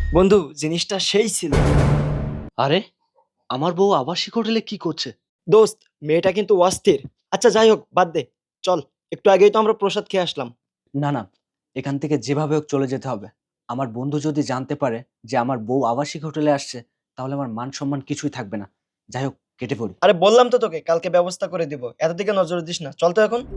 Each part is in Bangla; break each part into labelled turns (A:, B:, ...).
A: বন্ধু জিনিসটা সেই ছিল।
B: আরে আমার বউ আবাসিক হোটেলে কি করছে?
A: দোস্ত, মেয়েটা কিন্তু অস্থির। আচ্ছা যাই হোক, বাদ দে। চল, একটু আগেই তো আমরা প্রসাদ খেয়ে আসলাম।
C: না না, এখান থেকে যেভাবে হোক চলে যেতে হবে। আমার বন্ধু যদি জানতে পারে যে আমার বউ আবাসিক হোটেলে আসছে, তাহলে আমার মান সম্মান কিছুই থাকবে না। যাই হোক, কেটে পড়ি।
A: আরে বললাম তো তোকে কালকে ব্যবস্থা করে দিব, এত দিকে নজর দিস না। চল তো এখন।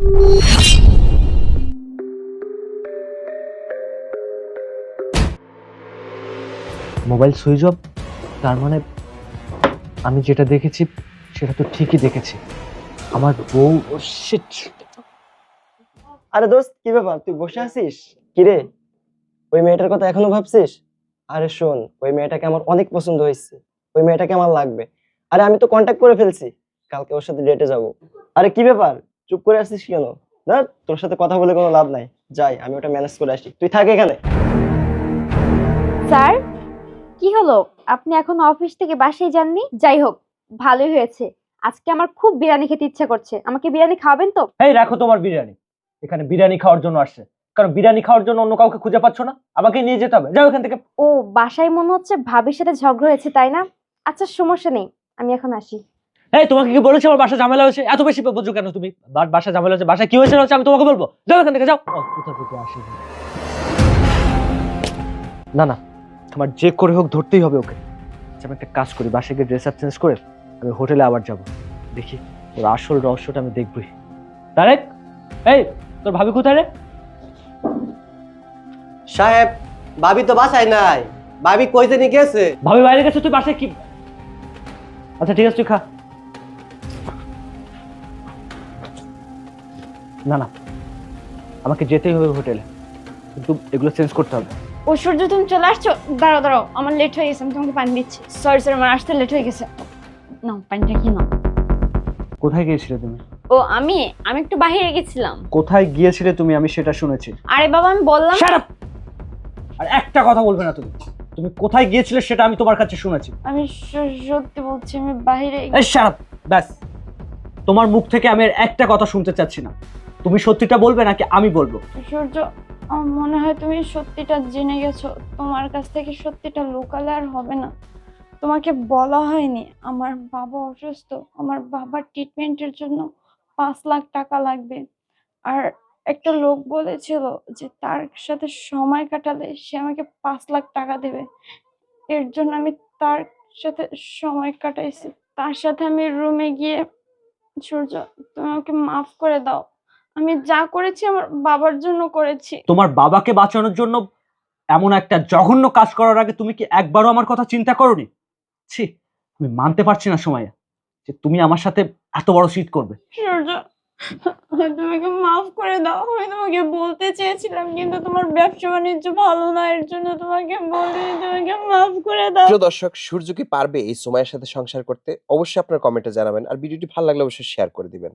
C: মোবাইল সুইচ অফ, তার মানে আমি যেটা দেখেছি সেটা তো ঠিকই দেখেছি। আমার বউ
A: ও শিট। আরে দোস্ত, কি ব্যাপার, তুই বসে আছিস? কিরে, ওই মেয়েটার কথা এখনো ভাবছিস? আরে শোন, ওই মেয়েটাকে আমার অনেক পছন্দ হয়েছে। ওই মেয়েটাকে আমার লাগবে। আরে আমি তো কন্ট্যাক্ট করে ফেলছি, কালকে ওর সাথে ডেটে যাব। আরে কি ব্যাপার, চুপ করে আছিস কেন? না, তোর সাথে কথা বলে কোনো লাভ নাই। যাই, আমি ওটা ম্যানেজ করে আসি, তুই থাক এখানে।
D: স্যার, কি হলো? আপনি এখন অফিস থেকে বাসায় যাননি? যাই হোক, ভালোই হয়েছে। আজকে আমার খুব বিরিয়ানি খেতে ইচ্ছা করছে। আমাকে বিরিয়ানি খাওয়াবেন তো?
E: এই রাখো তোমার বিরিয়ানি। এখানে বিরিয়ানি খাওয়ার জন্য আসছে, কারণ বিরিয়ানি খাওয়ার জন্য অন্য কাউকে খুঁজে পাচ্ছ না, আমাকে নিয়ে যেতে হবে। যাও এখান থেকে।
D: ও, বাসায় মনে হচ্ছে ভাবির সাথে ঝগড়া হয়েছে, তাই না? আচ্ছা, সমস্যা নেই, আমি এখন আসি।
E: এই তোমাকে কি বলেছি আমার বাসা ঝামেলা হয়েছে? এত বেশি বোঝো কেন তুমি? বাসা ঝামেলা হয়েছে, বাসা কি হয়েছে না হচ্ছে আমি তোমাকে বলবো। যাও এখান থেকে, যাও। কোথা থেকে আসি? না না, আমার যে করে হোক ধরতেই হবে ওকে। আচ্ছা, আমি একটা কাজ করি, বাসায় গিয়ে ড্রেস আপ চেঞ্জ করে আমি হোটেলে আবার যাব। দেখি ওর আসল রহস্যটা আমি দেখবই। তারেক, এই তোর ভাবি কোথায় রে?
F: সাহেব, ভাবি তো বাসায় নাই। ভাবি কই জানি গেছে।
E: ভাবি বাইরে গেছে, তুই বাসায় কি? আচ্ছা ঠিক আছে, তুই খা। না না, আমাকে যেতেই হবে হোটেলে, কিন্তু এগুলো চেঞ্জ করতে হবে।
D: ও সূর্য, তুমি চলে আসছো? দাঁড়াও দাঁড়াও, আমার লেট হয়ে গেছে, আমি তোমাকে পানি দিচ্ছি। সরি স্যার, আমার আসতে লেট হয়ে গেছে। নাও পানিটা, কি নাও।
E: কোথায় গিয়েছিলে তুমি?
D: ও, আমি আমি একটু বাইরে গেছিলাম।
E: কোথায় গিয়েছিলে তুমি? আমি সেটা শুনেছি।
D: আরে বাবা, আমি বললাম।
E: Shut up! আর একটা কথা বলবে না তুমি। তুমি কোথায় গিয়েছিলে সেটা আমি তোমার কাছে শুনেছি।
D: আমি সত্যি বলছি, আমি বাইরে।
E: এই shut up! ব্যাস, তোমার মুখ থেকে আমি আর একটা কথা শুনতে চাচ্ছি না। তুমি সত্যিটা বলবে নাকি আমি বলবো?
D: সূর্য, আমার মনে হয় তুমি সত্যিটা জেনে গেছো। তোমার কাছ থেকে সত্যিটা লুকালে আর হবে না। তোমাকে বলা হয়নি, আমার বাবা অসুস্থ। আমার বাবার ট্রিটমেন্টের জন্য 5 লাখ টাকা লাগবে। আর একটা লোক বলেছিল যে তার সাথে সময় কাটালে সে আমাকে 5 লাখ টাকা দেবে। এর জন্য আমি তার সাথে সময় কাটাইছি। তার সাথে আমি রুমে গিয়ে। সূর্য, তুমি আমাকে মাফ করে দাও। আমি যা করেছি আমার বাবার জন্য করেছি।
E: তোমার বাবাকে বাঁচানোর জন্য এমন একটা জঘন্য কাজ করার আগে তুমি কি একবারও আমার কথা চিন্তা করোনি? ছি, আমি মানতে পারছি না সময়া যে তুমি আমার সাথে এত বড় চিট করবে।
D: সূর্য, তোমাকে মাফ করে দাও। আমি তোমাকে বলতে চেয়েছিলাম, কিন্তু তোমার ব্যবসা বাণিজ্য ভালো না, এর জন্য তোমাকে বলিনি। তোমাকে মাফ করে দাও।
G: প্রিয় দর্শক, সূর্য কি পারবে এই সময়ের সাথে সংসার করতে? অবশ্যই আপনার কমেন্টে জানাবেন, আর ভিডিওটি ভালো লাগলে অবশ্যই শেয়ার করে দিবেন।